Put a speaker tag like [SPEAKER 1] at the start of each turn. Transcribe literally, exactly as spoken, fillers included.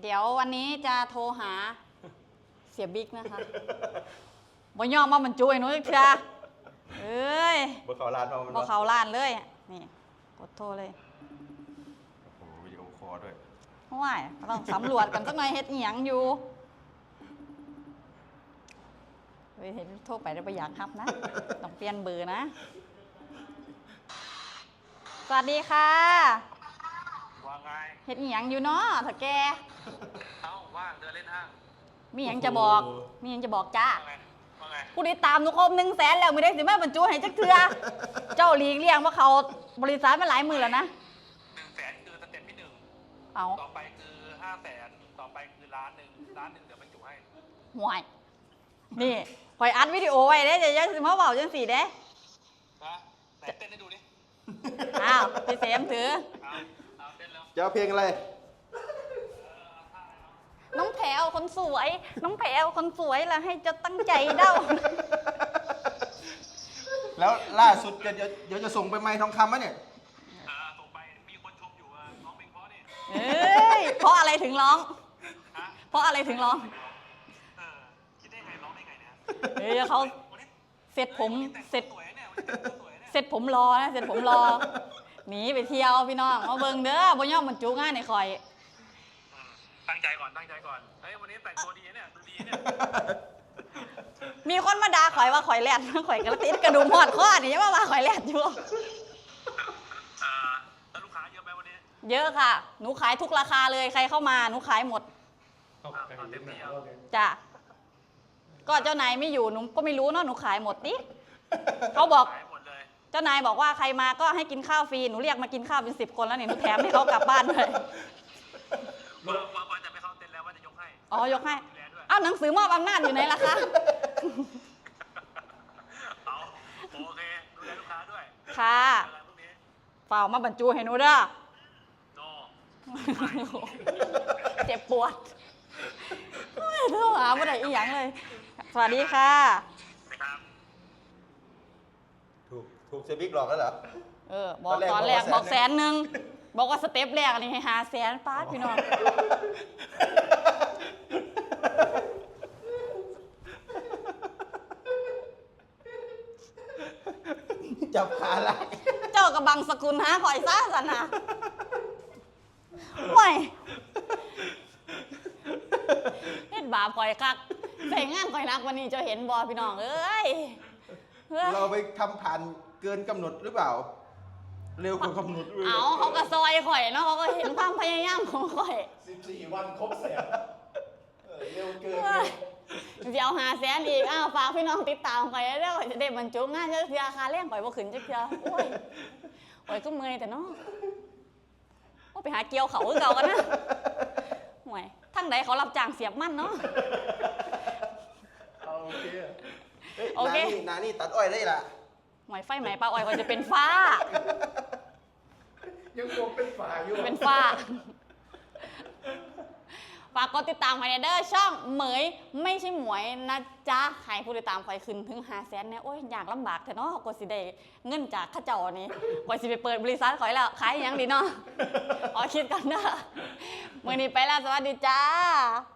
[SPEAKER 1] เดี๋ยววันนี้จะโทรหาเสียบิ๊กนะคะบ่ยอมมาบรรจุไอ้หนูอีกเถอะเอ้ย
[SPEAKER 2] บ่เขาลานมา
[SPEAKER 1] บ่เขาล้านเลยนี่กดโทรเลย
[SPEAKER 2] โอ้โหวิดีโอคอลด้วย
[SPEAKER 1] ว้ายต้องสำรวจกันสักหน่อยเฮ็ดอีหยังอยู่เฮ้ยเห็นโทรไปได้ประหยัดครับนะต้องเปลี่ยนเบอร์นะสวัสดีค่ะ
[SPEAKER 3] ว่าไง
[SPEAKER 1] เฮ็ดอีหยังอยู่เนาะถ้าแก
[SPEAKER 3] เอ้าว่างเดินเล่นห้าง
[SPEAKER 1] มีหยังจะบอกมีหยังจะบอกจ้า
[SPEAKER 3] ว่าไงว่าไง
[SPEAKER 1] ผู้ติดตามหนูครบหนึ่งแสนแล้วไม่ได้สิแม่บรรจุให้จักเทือเจ้าหลีกเลี่ยงว่าเขาบริษัทมาหลายหมื่นแล้วนะ
[SPEAKER 3] หนึ่งแสนคือสเต็ปที่หนึ่ง
[SPEAKER 1] เอา
[SPEAKER 3] ต่อไปคือห้าแสนต่อไปคือล้านหนึ่งล้านหนึ่งเดี๋ยวบรรจุให้
[SPEAKER 1] ห่วยนี่คอยอัดวิดีโอไว้เด้จะยังสิมาเบาจังสี่เด้
[SPEAKER 3] ฮะไหนเต้นให้ดูดิ
[SPEAKER 1] อ้าวพี่เสมถือ
[SPEAKER 3] เอาเอาเต้นแล้ว
[SPEAKER 2] จะเอาเพลงอะไร
[SPEAKER 1] น้องแผวคนสวย น้องแผวคนสวยแล้วให้เจะตั้งใจเด้า
[SPEAKER 2] แล้วล่าสุดเดี๋ยวเดี๋ยวจะส่งไปไม้ทองคำมะเนี่ย
[SPEAKER 3] อ่าต่อไปมีคนชมอยู่อ่ะน้องเพลงเพราะนี่
[SPEAKER 1] เอ้ยเพราะอะไรถึงร้อง
[SPEAKER 3] ฮะ
[SPEAKER 1] เพราะอะไรถึงร้อง
[SPEAKER 3] เออคิดได้ไงร้องได้ไงเนี่ย
[SPEAKER 1] เฮ้ยเขา
[SPEAKER 3] วันนี้
[SPEAKER 1] เสร็จผม
[SPEAKER 3] แต่ง
[SPEAKER 1] เสร็จ
[SPEAKER 3] ตัวสวยเนี่ยวันนี้แต่งตัวสวยเนี่ย
[SPEAKER 1] เสร็จผมรอนะเสร็จผมรอหนีไปเที่ยวพี่น้องมาเบิ่งเด้อบ่ยอมบรรจุงานในคอย
[SPEAKER 3] อืมตั้งใจก่อนตั้งใจก่อนเฮ้ยวันนี้แต่งตัวดีเนี่ยดูดีเนี่ย
[SPEAKER 1] มีคนมาด่าข่อยว่าข่อยแลด ข่อยกระติดกระดุมหอดข้อนี่ยังมาว่าข่อยแลดอยู่
[SPEAKER 3] อ่าแล้วลูกค้าเยอะไหมวันนี้
[SPEAKER 1] เยอะค่ะ หนูขายทุกราคาเลยใครเข้ามาหนูขายหมด
[SPEAKER 3] อ่าเอาเต็มที่เอา
[SPEAKER 1] จ้ะก็เจ้านายไม่อยู่หนูก็ไม่รู้เนาะหนูขายหมดดิเขาบอก
[SPEAKER 3] ขายหมดเลย
[SPEAKER 1] เจ้านายบอกว่าใครมาก็ให้กินข้าวฟรีหนูเรียกมากินข้าวเป็นสิบคนแล้วเนี่ยหนูแถมให้เขากลับบ้านเลย
[SPEAKER 3] ว่าว่าว่าจะไม่เข้าเต็นท์แล้วว่าจะยกให้
[SPEAKER 1] อ๋อยกให้
[SPEAKER 3] ดูแลด้วย
[SPEAKER 1] อ้าวหนังสือมอบอำนาจอยู่ไหนล่ะคะ
[SPEAKER 3] เอาโอเคดูแลลูกค้าด้วย
[SPEAKER 1] ค่ะ
[SPEAKER 3] เจอกันพรุ่งนี้
[SPEAKER 1] เปล่ามาบรรจุให้หนูเด้อ
[SPEAKER 3] โน
[SPEAKER 1] เจ็บปวดโอ้ยโทรหาเมื่อไหร่อีหยังเลย สวัสดีค่ะ
[SPEAKER 3] นะครับ
[SPEAKER 2] ถูกถูกเซบิกหลอกแล้วเหรอ
[SPEAKER 1] เออบอก
[SPEAKER 2] ต
[SPEAKER 1] ต
[SPEAKER 2] อ
[SPEAKER 1] อน น
[SPEAKER 2] แร
[SPEAKER 1] แร
[SPEAKER 2] ก
[SPEAKER 1] ก
[SPEAKER 2] บบ อ
[SPEAKER 1] อก ก
[SPEAKER 2] แส
[SPEAKER 1] แส
[SPEAKER 2] น
[SPEAKER 1] นหนึ่งบอกว่าสเต็ปแรกนี่ให้หาแสนป้าดพี่น้อง
[SPEAKER 2] จับขาลาก
[SPEAKER 1] เจ้ากับบังสกุลหาข่อยซ่าสันนะไม่เฮ็ดบาปข่อยคักใส่งานข่อยนักวันนี้เจ้าเห็นบอพี่น้องเอ้ยเฮ้ย
[SPEAKER 2] เราไปทำผ่านเกินกำหนดหรือเปล่า เร็วกว่ากำหนดด้วย
[SPEAKER 1] เอาเขาก็ซอยข่อยเนาะเขาก็เห็นความพยายามของข่อย
[SPEAKER 4] สิบสี่วันครบแสนเออเร็วเกิน
[SPEAKER 1] เฮ้ยเดี๋ยวหาแสนอีกอ้าวฝากพี่น้องติดตามข่อยแล้วข่อยจะได้บรรจุงานเจ้าเทียคาเลี้ยงข่อยบ่ขึ้นจักเทียโอ้ยข่อยก็เมื่อยแต่เนาะโอ้ไปหาเกี่ยวเขาคือเก่ากันนะห่วยทั้งใดเขารับจ้างเสียบมันเนาะ
[SPEAKER 4] เอาโอเค
[SPEAKER 2] เฮ้ย
[SPEAKER 1] โอเค
[SPEAKER 2] นานี่นานี่ตัดอ้อยได้ล่ะ
[SPEAKER 1] หมอยไฟไหมปลาอ้อยข่อยจะเป็นฟ้า
[SPEAKER 4] ยังคงเป็นฝาอยู่
[SPEAKER 1] เป็นฟ้า ฝากกดติดตามไว้ในเด้อช่องเหมยไม่ใช่หมวยนะจ๊ะให้ผู้ติดตามข่อยขึ้นถึงห้าแสนเนี่ยโอ้ยอยากลำบากแต่เนาะกว่าสิได้เงินจากข้าเจ้านี่กว่าสิไปเปิดบริษัทข่อยแล้วขายอหยังดีเนาะ ขอคิดกันเด้อมื้อนี้ไปแล้วสวัสดีจ้า